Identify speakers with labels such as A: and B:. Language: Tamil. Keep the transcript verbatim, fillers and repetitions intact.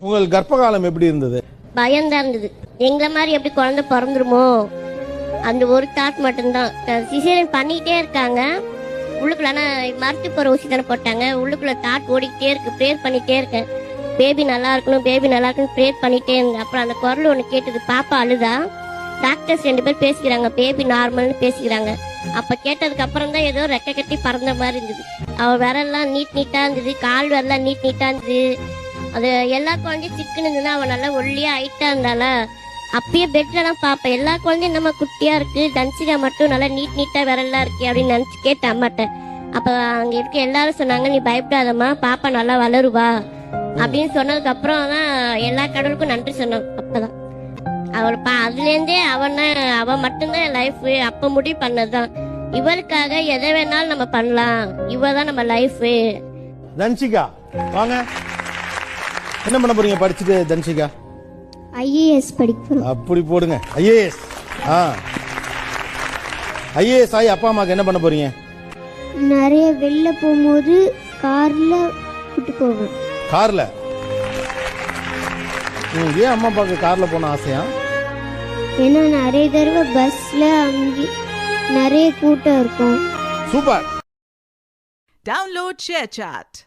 A: உங்கள் கர்ப்ப காலம் எப்படி இருந்தது?
B: பயம்தான் இருந்தது. எங்களை மாதிரி எப்படி குழந்தை பிறந்துருமோ அந்த ஒரு தாட் மட்டும்தான். சிசேரியன் பண்ணிக்கிட்டே இருக்காங்க உள்ளுக்குள்ள. ஆனால் மருத்துவ ஊசி தானே போட்டாங்க. உள்ளுக்குள்ள தாட் ஓடிக்கிட்டே இருக்கு. ப்ரேயர் பண்ணிகிட்டே இருக்கேன், பேபி நல்லா இருக்கணும் பேபி நல்லா இருக்கணும் ப்ரேயர் பண்ணிகிட்டே இருந்தேன். அப்புறம் அந்த குரல் ஒன்று கேட்டது, பாப்பா அழுதா. டாக்டர்ஸ் ரெண்டு பேர் பேசிக்கிறாங்க, பேபி நார்மல்னு பேசிக்கிறாங்க. அப்போ கேட்டதுக்கு அப்புறம் தான் ஏதோ ரெக்கை கட்டி பறந்த மாதிரி இருந்தது. அவள் விரல்லாம் நீட் நீட்டாக இருந்தது, கால் விரலாம் நீட் நீட்டாக இருந்தது. அது எல்லா குழந்தையும் சிக்குன்னு இருந்ததுன்னா அவள் நல்லா ஒல்லியாக ஹைட்டாக இருந்தால அப்பயே பெட்லலாம் பார்ப்பேன். எல்லா குழந்தையும் நம்ம குட்டியாக இருக்குது, தன்சிகா மட்டும் நல்லா நீட் நீட்டாக விரலாம் இருக்கு அப்படின்னு நினச்சி கேட்டேன் அம்மாட்ட. அப்போ அங்கே இருக்க எல்லாரும் சொன்னாங்க, நீ பயப்படாதம்மா பாப்பா நல்லா வளருவா அப்படின்னு சொன்னதுக்கு அப்புறம் தான் எல்லா கடவுளுக்கும் நன்றி சொன்னோம். அப்பதான் அவள் பா அதுலேருந்தே அவன் அவன் மட்டும்தான் என் லைஃப். அப்போ முடிவு பண்ணதுதான் இவளுக்காக எதை வேணாலும் நம்ம பண்ணலாம், இவ தான் நம்ம லைஃப்.
A: தன்சிகா வாங்க, என்ன பண்ண போறீங்க படிச்சுட்டு? தன்சிகா
C: ஐஏஎஸ் படிக்கிறோம்.
A: அப்படி போடுங்க, ஐஏஎஸ். ஆ ஐஏஎஸ் ஆகி அப்பா அம்மாக்கு என்ன பண்ண போறீங்க?
C: நிறைய வெளில போகும்போது கார்ல கூட்டு போவேன்.
A: கார்ல? ஏன் அம்மா அப்பாவுக்கு கார்ல போன ஆசையா?
C: ஏன்னா நிறைய தடவை பஸ்ல அங்கே நிறைய கூட்டம் இருக்கும்.
A: சூப்பர்.
D: Download ShareChat.